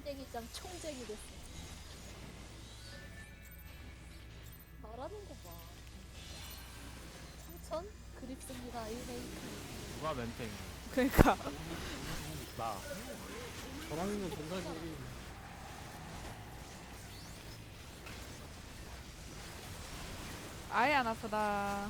땡땡이짱 총쟁이 됐어. 말하는 거 봐. 상천? 그립습니다. 일메이크. 누가 멘탱이? 그러니까 나. 저랑이면 전사지. 아예 안 아프다.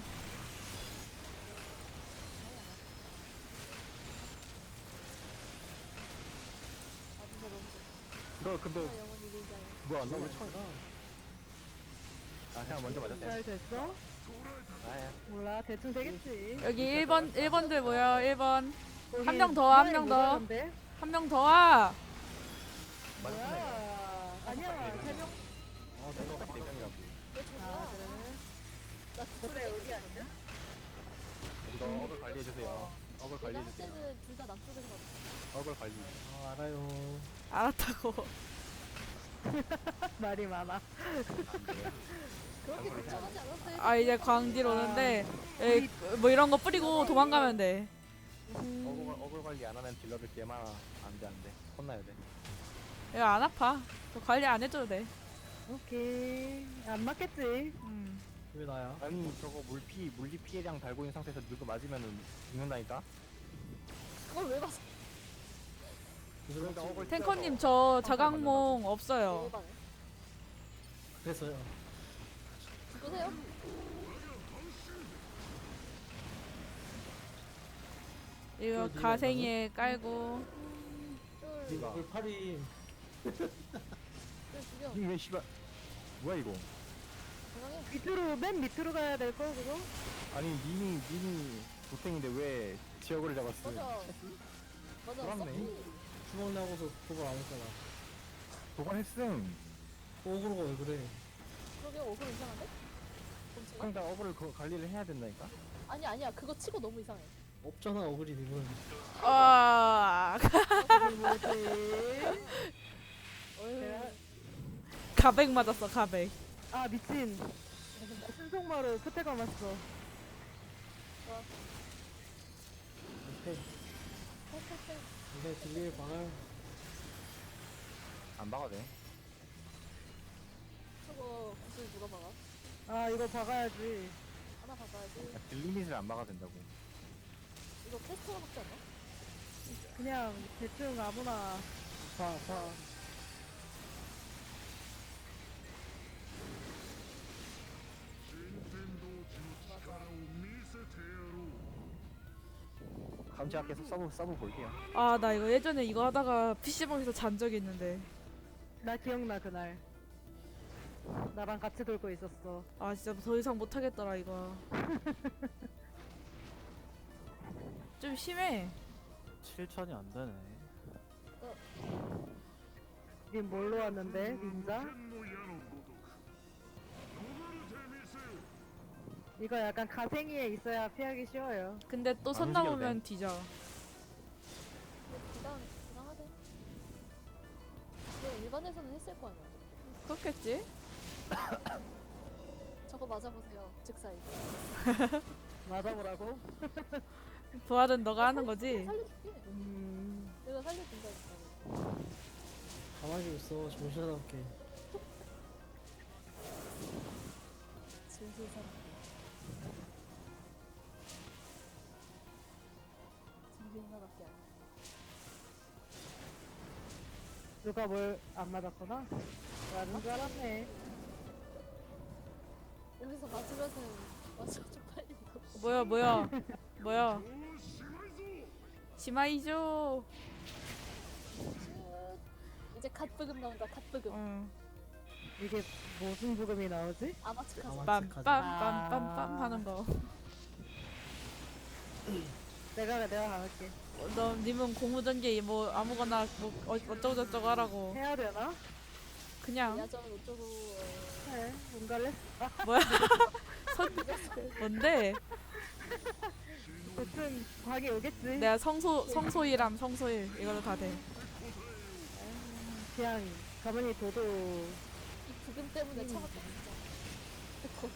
아 진짜 너무 좋다. 너 근데 아, 영원히 밀자요. 뭐야 너왜 처음 가? 아 그냥 먼저 맞았어. 잘 됐어? 아야. 몰라 대충 되겠지. 여기 1번들 모여. 1번. 거기 한 명 더, 한 명 더. 모자란데? 한 명 더 와. 맞았네. 뭐야? 아니야 3명. 어 내가 딱 대명이라고. 왜 아 저거야? 그래? 나 그래 여기 아니야? 이거 어글 관리해주세요. 어글 내가 할 관리해주세요. 때는 둘 다 남쪽에서 봤어. 어글 관리. 아, 알아요. 알았다고. 말이 많아. 안 돼. 그렇게 걱정하지 않았어요. 아 이제 광딜 오는데 에이, 뭐 이런 거 뿌리고 도망가면 돼. 어글 관리 안 하는 딜러들 개만 안돼 안돼. 혼나야 돼. 이거 안 아파. 저 관리 안 해줘도 돼. 오케이 안 맞겠지. 왜 나야? 아니 저거 물리 피해량 달고 있는 상태에서 누구 맞으면은 죽는다니까. 그걸 왜 봤어? 그러니까 어글 탱커님 저 자각몽 없어요. 대박에. 그랬어요. 누구세요? 이거 그 가생이에 깔고. 쫄, 누가? 그 팔이 쫄 죽여. 왜 씨발 뭐야 이거? 건강해. 밑으로 맨 밑으로 가야 될 거 그거? 아니 님이 도탱인데 왜 지역을 잡았어? 맞아. 맞아. 그렇네. 서브. 주먹 나고서 그거 안 했잖아. 도관했음. 오그로가 왜 그래? 그러게 어그로 이상한데? 검체가? 그러니까 어글을 관리를 해야 된다니까. 아니야. 그거 치고 너무 이상해. 없잖아, 어그리 님은. 아 뭐지? 어휴. 가백 맞았어 가백. 아 미친. 순속마루 끝에 감았어. 오케이. 이제 딜리의 방을. 안 박아도 돼. 저거 구슬 누가 박아? 아 이거 박아야지. 하나 박아야지. 딜리밋을 안 박아도 된다고. 이거 캐스터가 박지 않나? 그냥 대충 아무나. 파. 다음 주에 계속 서브 볼게요. 아 나 이거 예전에 이거 하다가 PC방에서 잔 적이 있는데. 나 기억나 그날. 나랑 같이 돌고 있었어. 아 진짜 더 이상 못하겠더라 이거. 좀 심해. 7천이 안 되네. 님 뭘로 왔는데? 닌자? 이거 약간 가생이에 있어야 피하기 쉬워요. 근데 또 선 움직여도 넘으면 뒤져. 부당하대. 근데 일반에서는 했을 거 아니야. 그렇겠지? 저거 맞아보세요. 즉사이. 맞아보라고? 부하든 너가 하는 거지? 살려줄게. 내가 살려준다니까. 가만히 있어. 정신 하나밖에. 진실 사람. 진실 하나밖에 안 돼. 누가 뭘 안 맞았구나? 맞은 줄 알았네. 여기서 맞으면은 맞아 쪽팔린다. 뭐야? 시마이죠. 이제 갓부금 나온다. 갓부금. 응. 이게 무슨 부금이 나오지? 아마츠카즈. 빰빰빰빰빰빰 하는 거. 내가 가볼게. 너 님은 고무전기 뭐 아무거나 뭐 어쩌고 저쩌고 하라고. 해야 되나? 그냥 야전 어쩌고. 해. 뭔가를? 뭐야? 뭔데? 대충 과기 오겠지. 내가 성소일함 성소일 이걸로 다 돼. 그냥 가만히 둬도 이 부금 때문에 참았다 진짜.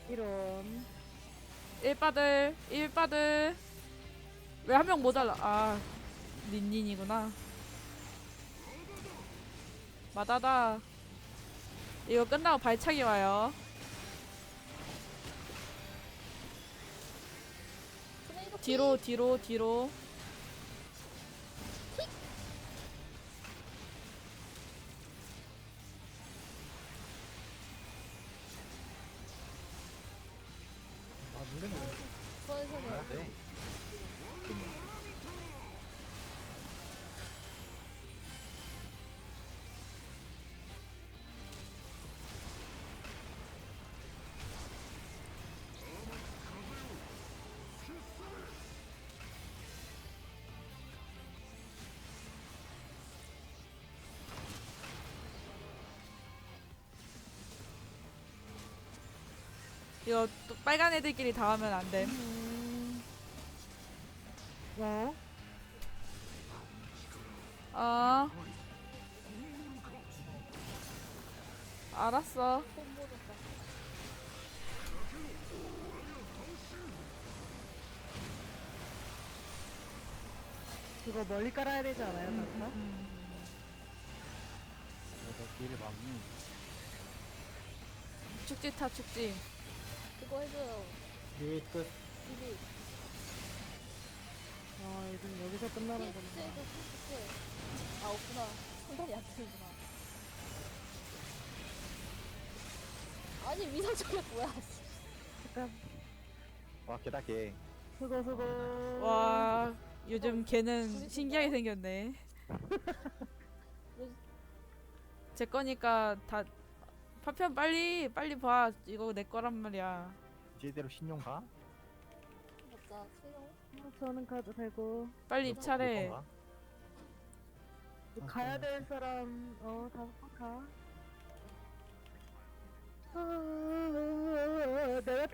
이런. 1바들 1바들 왜 한 명 모자라. 아 닌닌이구나. 마다다. 이거 끝나고 발차기 와요. 토네이도 뒤로 뒤로 뒤로. 아 물레 뭐 부활선을 해야 돼. 이거 또 빨간 애들끼리 다 하면 안 돼. 어? 어. 알았어. 콤보졌다. 그거 멀리 깔아야 되지 않아요, 단타? 길이 막. 축지 타 축지. 그거 해줘요. 유닛 끝. 이리. 아, 요즘 여기서 끝나는 피해도 거구나. 피해. 아 없구나. 상단이 안 되는구나. 아니 위성 저게 뭐야? 잠깐. 와 개다 개. 수고. 와 요즘 걔는 신기하게 생겼네. 제 거니까 다 파편 빨리 봐. 이거 내 거란 말이야. 제대로 신용 가? 맞자. 수영. 저는 가도 되고. 빨리 입찰해. 건가? 가야 될 사람, 다 가. 내가